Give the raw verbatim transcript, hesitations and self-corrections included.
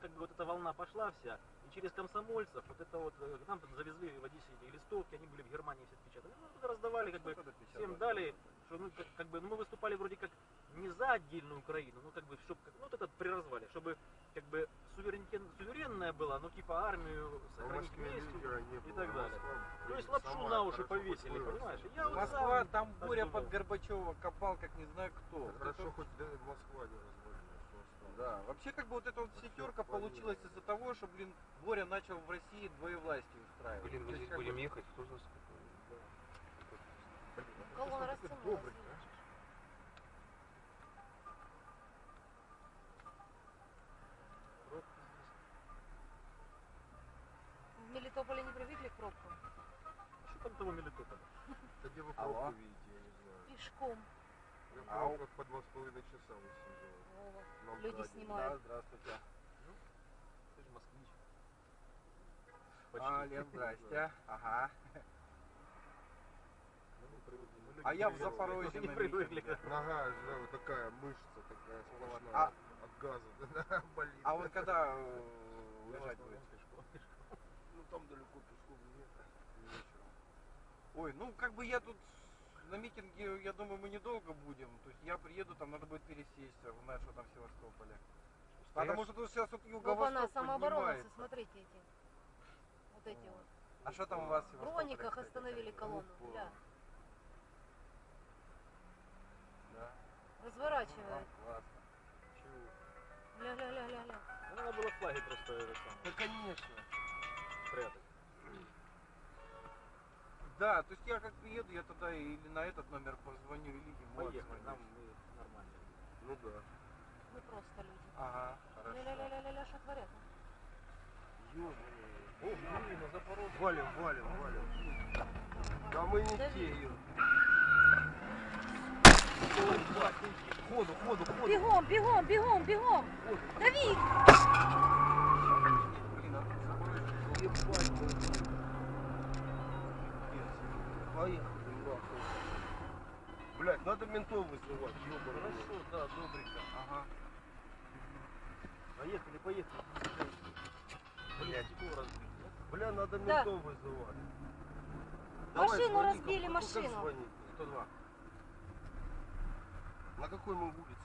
как бы вот эта волна пошла вся, и через комсомольцев, вот это вот, к нам завезли в Одессе эти листовки, они были в Германии все отпечатаны. Ну, туда раздавали, как бы, всем дали, что, ну, как, как бы, ну, мы выступали вроде как не за отдельную Украину, ну, как бы, чтобы, ну, вот это при развале, чтобы, как бы, суверенитет, суверенная была, ну, типа, армию сохранить вместе и так далее. То есть лапшу на уши повесили, понимаешь? Я вот Москва, сам там так Боря думал. под Горбачева копал, как не знаю кто. Хорошо, это... хоть да, Москва не развалилась. Да, вообще как бы вот эта вот пятерка получилась из-за того, что, блин, Боря начал в России двоевластие устраивать. Блин, мы здесь как будем бы... ехать, кто нас Колонна растянулась. В Мелитополе не привыкли к пробкам? Что там того Мелитополя? Да где вы Алло. пробку видите, я не знаю. Пешком. Я в Ау. пробках по два с половиной часа высиживал. Вова. Нам Люди дали. снимают. Да, здравствуйте. Ты же москвич. А, Лен, здрасте. Ага. Ну, мы привыкли. Мы люди А я в привыкли. Запорожье Не на привыкли. митинге. Нога, да, вот такая мышца, такая сплошная. А- От газа, да, болит. А вот когда э, уезжать Пешком, будете? пешком, пешком. Ну там далеко пешком нет. Вечером. Ой, ну как бы я тут на митинге, я думаю, мы недолго будем. То есть я приеду, там надо будет пересесть, знаешь, что там в Севастополе. Потому что тут сейчас вот Опа-на, юго-восток самооборонцы, поднимается. смотрите эти. Вот эти вот. А что там у вас в В Севастополе, Брониках кстати? остановили колонну. Опа. Бля. Да. Разворачивают. Ну, классно. Ля-ля-ля-ля-ля. Ну, надо было флаги просто это самое, Да, конечно. спрятать. Да, то есть я как приеду, я тогда или на этот номер позвоню, или ему Поехали, отзвоню. нам мы нормально. Ну да. Мы просто люди. Ага, хорошо. Ля-ля-ля-ля-ля, что творят? Ёбаный. О, блин, на Запорожье. Валим, валим, валим. Да мы не Дави. те, ё. Ходу, ходу, ходу. Бегом, бегом, бегом, бегом! Дави! Блин, а Ебать, блин. Поехали, нахуй. Блять, надо ментов вызывать, ёбаный. Хорошо, да, добренько. ага. Поехали, поехали. Блять, стекло разбили, да? Бля, надо Да. ментов вызывать. Машину звони, разбили, как- как машину. звонить? сто два. На какой мы улице?